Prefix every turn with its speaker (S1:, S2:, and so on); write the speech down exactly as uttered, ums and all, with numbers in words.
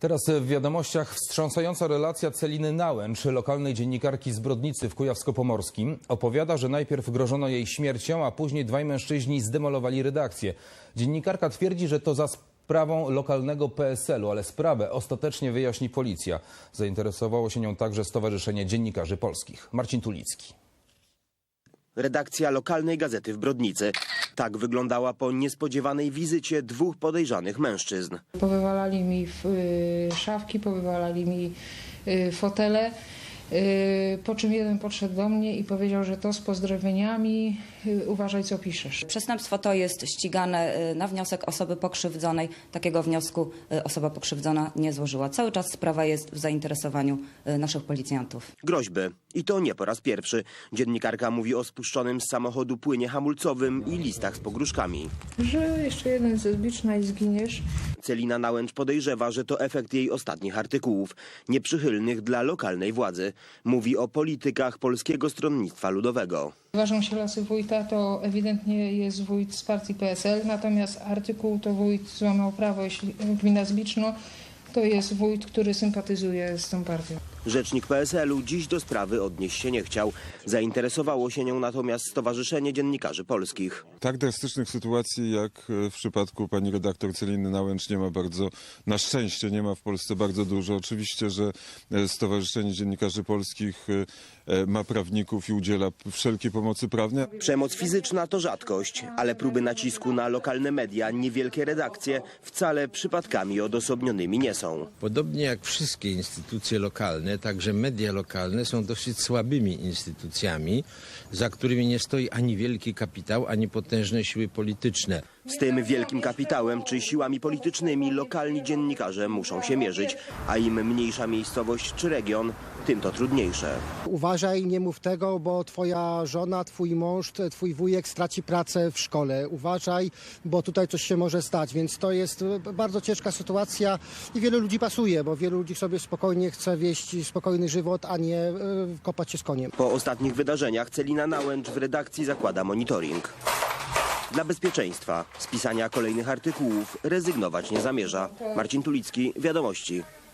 S1: Teraz w wiadomościach wstrząsająca relacja Celiny Nałęcz, lokalnej dziennikarki z Brodnicy w Kujawsko-Pomorskim. Opowiada, że najpierw grożono jej śmiercią, a później dwaj mężczyźni zdemolowali redakcję. Dziennikarka twierdzi, że to za sprawą lokalnego P S L u, ale sprawę ostatecznie wyjaśni policja. Zainteresowało się nią także Stowarzyszenie Dziennikarzy Polskich. Marcin Tulicki.
S2: Redakcja lokalnej gazety w Brodnicy. Tak wyglądała po niespodziewanej wizycie dwóch podejrzanych mężczyzn.
S3: Powywalali mi y, szafki, powywalali mi y, fotele, y, po czym jeden podszedł do mnie i powiedział, że to z pozdrowieniami, y, uważaj co piszesz.
S4: Przestępstwo to jest ścigane na wniosek osoby pokrzywdzonej. Takiego wniosku osoba pokrzywdzona nie złożyła. Cały czas sprawa jest w zainteresowaniu naszych policjantów.
S2: Groźby. I to nie po raz pierwszy. Dziennikarka mówi o spuszczonym z samochodu płynie hamulcowym i listach z pogróżkami.
S3: Że jeszcze jeden ze zbicza i zginiesz.
S2: Celina Nałęcz podejrzewa, że to efekt jej ostatnich artykułów, nieprzychylnych dla lokalnej władzy. Mówi o politykach Polskiego Stronnictwa Ludowego.
S3: Ważą się losy wójta, to ewidentnie jest wójt z partii P S L, natomiast artykuł to wójt złamał prawo, jeśli gmina Zbiczno, to jest wójt, który sympatyzuje z tą partią.
S2: Rzecznik P S L u dziś do sprawy odnieść się nie chciał. Zainteresowało się nią natomiast Stowarzyszenie Dziennikarzy Polskich.
S5: Tak drastycznych sytuacji jak w przypadku pani redaktor Celiny Nałęcz nie ma bardzo, na szczęście nie ma w Polsce bardzo dużo. Oczywiście, że Stowarzyszenie Dziennikarzy Polskich ma prawników i udziela wszelkiej pomocy prawnej.
S2: Przemoc fizyczna to rzadkość, ale próby nacisku na lokalne media, niewielkie redakcje wcale przypadkami odosobnionymi nie są.
S6: Podobnie jak wszystkie instytucje lokalne, także media lokalne są dosyć słabymi instytucjami, za którymi nie stoi ani wielki kapitał, ani potężne siły polityczne.
S2: Z tym wielkim kapitałem czy siłami politycznymi lokalni dziennikarze muszą się mierzyć, a im mniejsza miejscowość czy region, tym to trudniejsze.
S7: Uważaj, nie mów tego, bo twoja żona, twój mąż, twój wujek straci pracę w szkole. Uważaj, bo tutaj coś się może stać, więc to jest bardzo ciężka sytuacja i wielu ludzi pasuje, bo wielu ludzi sobie spokojnie chce wieść spokojny żywot, a nie kopać się z koniem.
S2: Po ostatnich wydarzeniach Celina Nałęcz w redakcji zakłada monitoring. Dla bezpieczeństwa z pisania kolejnych artykułów rezygnować nie zamierza. Marcin Tulicki, Wiadomości.